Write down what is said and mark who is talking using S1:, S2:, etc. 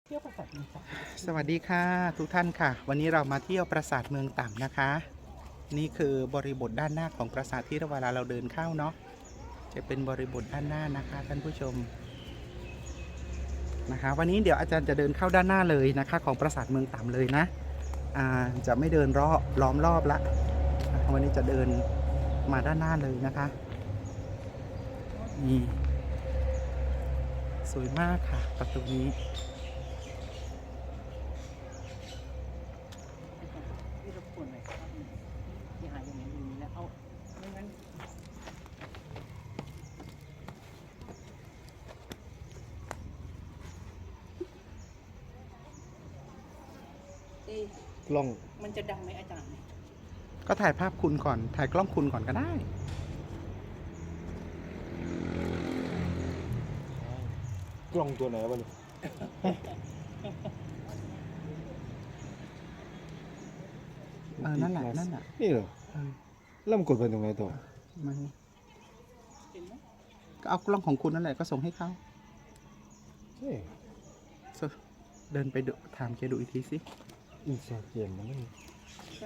S1: เที่ยวปราสาทเมืองต่
S2: สวัสดีค่ะทุกท่านค่ะ วันนี้เรามาเที่ยวปราสาทเมืองต่ำนะคะ นี่คือบริบทด้านหน้าของปราสาทที่เวลาเราเดินเข้าเนาะจะเป็นบริบทด้านหน้านะคะท่านผู้ชมนะคะวันนี้เดี๋ยวอาจารย์จะเดินเข้าด้านหน้าเลยนะคะของปราสาทเมืองต่ำเลยนะจะไม่เดินล้อมรอบละวันนี้จะเดินมาด้านหน้าเลยนะคะนี่สวยมากค่ะประตูนี้
S1: ที่รบกวนหน่อยครับที่หาอย่างนี้แล้วเอาไม่งั้น
S3: กล้อง
S1: มันจะดังไหมอาจารย์
S2: ก็ถ่ายภาพคุณก่อนถ่ายกล้องคุณก่อนก็ได้
S3: กล้องตัวไหนวะนี่
S2: นั่นแหละนั่นแหละ
S3: นี่เหรอแล้วมันกดไปตรงไหนต่อ
S2: มัน
S1: เห็นไหม
S2: ก็เอากล้องของคุณนั่นแหละก็ส่งให้เขา
S3: เฮ้ย
S2: เดินไปดูถามแกดูอีกทีสิ
S3: อินสตาแกรมมัน